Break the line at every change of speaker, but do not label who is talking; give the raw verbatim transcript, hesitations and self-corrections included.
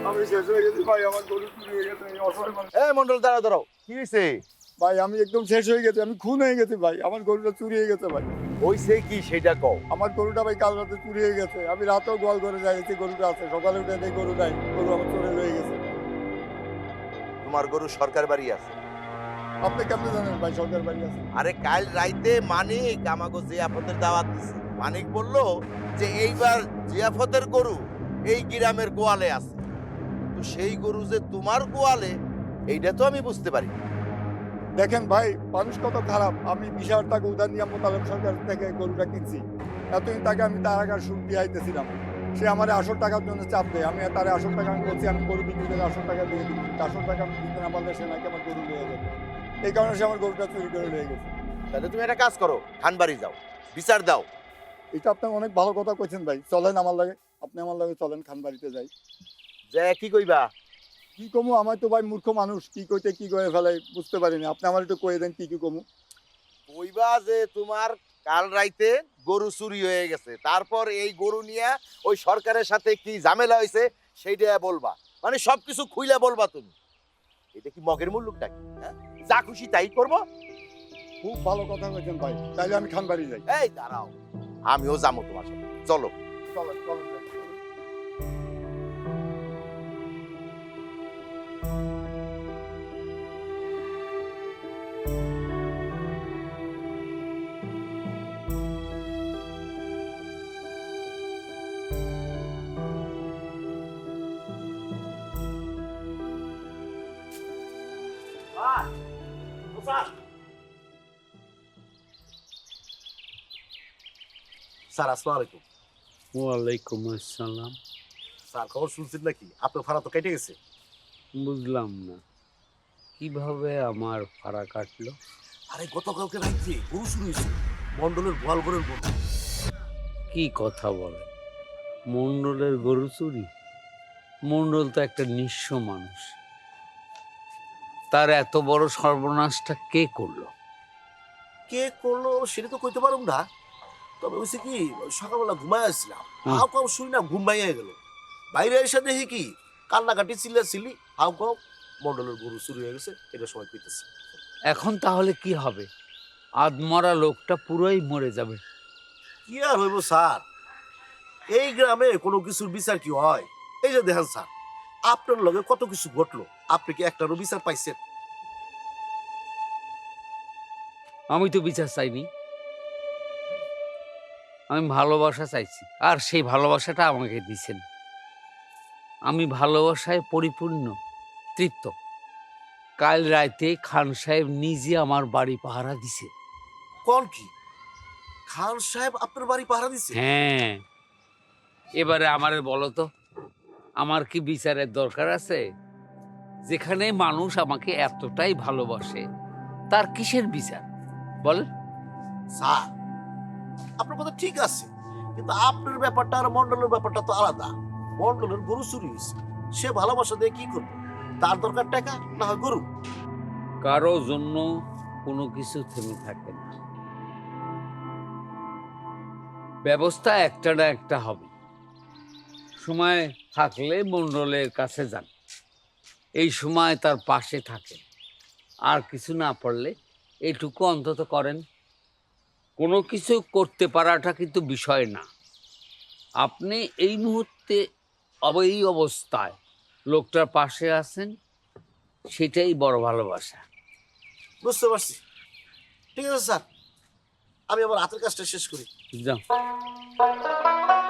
আমি শেষ হয়ে গেছি ভাই, আমার গরু চুরি হয়ে গেছে। এই অসহায় মানুষ।
এ মন্ডল দাঁড়াও দাঁড়াও, কি হয়েছে?
ভাই আমি একদম শেষ হয়ে গেছি, আমি খুন হয়ে গেছি ভাই, আমার গরুটা চুরি হয়ে গেছে ভাই।
হইছে কি সেটা কও।
আমার গরুটা ভাই কাল রাতে চুরি হয়ে গেছে, আমি রাতেও গোয়াল ঘরে যাইছি, গরুটা আছে, সকালে উঠে দেখি গরু নাই, গরু আমার চোরে হয়ে গেছে।
তোমার গরু সরকার বাড়ি আছে।
আপনি কেমনে জানেন ভাই সরকার বাড়ি আছে?
আরে কাল রাইতে মানিক আমাকে জিয়াফতের দাওয়াত দিছে। মানিক বলল যে এইবার জিয়াফতের গরু এই গ্রামের গোয়ালে আছে। তো সেই গরু যে তোমার গোয়ালে এইটা তো আমি বুঝতে পারি।
দেখেন ভাই মানুষ কত খারাপ, আমি বিশ হাজার টাকা উধার নিয়ে মোতালেব সরকার থেকে গরুটা কিনছি, এতদিন তাকে আমি তার আগার সুদ দিয়ে আইতেছিলাম, সে আমার আসল টাকার জন্য চাপ দেয়, আমি তার আসল টাকা আমি বলছি আমি গরু বিক্রি করে আসল টাকা দিয়ে দিই, আসল টাকা আমি দিতে না পারলে সে নাকি আমার গরু নিয়ে যাবে, এই কারণে সে আমার গরুটা চুরি করে নিয়ে গেছে।
তাহলে তুমি একটা কাজ করো, খানবাড়ি যাও, বিচার দাও।
এটা আপনি অনেক ভালো কথা কইছেন ভাই, চলেন আমার লাগে, আপনি আমার লাগে চলেন খান বাড়িতে যাই।
যে কি কইবা?
কি কমু, আমার তো ভাই মূর্খ মানুষ, কি কইতে কি করে ফেলাই বুঝতে পারিনি, আপনি আমার একটু কয়ে দেন কি কি কমু।
কইবা যে তোমার কাল রাইতে গরু চুরি হয়ে গেছে, তারপর এই গরু নিয়ে ওই সরকারের সাথে কি ঝামেলা হয়েছে সেইটা বলবা, মানে সবকিছু খুইলা বলবা তুমি। এটা কি মগের মুল্লুক নাকি? হ্যাঁ, যা খুশি তাই করবো?
খুব ভালো কথা কইছেন ভাই, তাইলে আমি খান বাড়ি যাই।
এই দাঁড়াও, আমিও যাবো তোমার সাথে, চলো।
চলেন চলেন যাই।
স্যার আসসালামু আলাইকুম।
ওয়ালাইকুম আসসালাম।
স্যার খবর শুনছেন নাকি আপনার ভাড়া তো কেটে গেছে?
বুঝলাম না কিভাবে আমার ভাড়া কাটলো।
আরে গতকালকে রাত্রে গরু শুরু হয়েছে, মন্ডলের গোয়াল ঘরের গরু।
কি কথা বলে, মন্ডলের গরু চুরি? মন্ডল তো একটা নিঃস্ব মানুষ, তার এত বড় সর্বনাশটা কে করলো?
কে করলো সেটা তো কইতে পারুম না, তবে হয়েছে কি সকালবেলা ঘুমায় আসছিলাম,
হুম।
হাউ কাউ শুই না ঘুম ভাইয়া গেল, বাইরে এসে দেখি কি কান্নাকাটি চিল্লা চিল্লি, হাউ কাউ মন্ডলের গরু চুরি হয়ে গেছে, এটা সময় পেতেছে।
এখন তাহলে কি হবে? আদমরা লোকটা পুরোই মরে যাবে।
কি আর হইব স্যার, এই গ্রামে কোনো কিছুর বিচার কি হয়? এই যে দেখেন স্যার, আপনার লগে কত কিছু ঘটলো, আপনি কি একটারও বিচার পাইছেন?
আমি তো বিচার চাইনি, আমি ভালোবাসা চাইছি, আর সেই ভালোবাসাটা আমাকে দিছেন। আমি ভালোবাসায় পরিপূর্ণ, তৃপ্ত। কাল রাতে খান সাহেব নিজে আমার বাড়ি পাহারা দিছে।
কোন কি খান সাহেব আপনার বাড়ি পাহারা দিছে?
হ্যাঁ, এবারে আমারে বলো তো, আমার কি বিচারের দরকার আছে? যেখানে মানুষ আমাকে এতটাই ভালোবাসে, তার কিসের বিচার বল?
স্যার আপনার কথা ঠিক আছে, কিন্তু আপনার ব্যাপারটা আর মন্ডলের ব্যাপারটা তো আলাদা। মন্ডলের গরু চুরি হয়েছে, সে ভালোবাসা দিয়ে কি করবে? তার দরকার টাকা না হয় গরু।
কারো জন্য কোনো কিছু থেমে থাকে না, ব্যবস্থা একটা না একটা হবে। সময় থাকলে মন্ডলের কাছে যান, এই সময় তার পাশে থাকে, আর কিছু না পারলে এইটুকু অন্তত করেন। কোনো কিছু করতে পারাটা কিন্তু বিষয় না, আপনি এই মুহূর্তে এই অবস্থায় লোকটার পাশে আছেন, সেটাই বড় ভালোবাসা।
বুঝতে পারছি, ঠিক আছে স্যার, আমি আমার হাতের কাজটা শেষ করি।
যাও।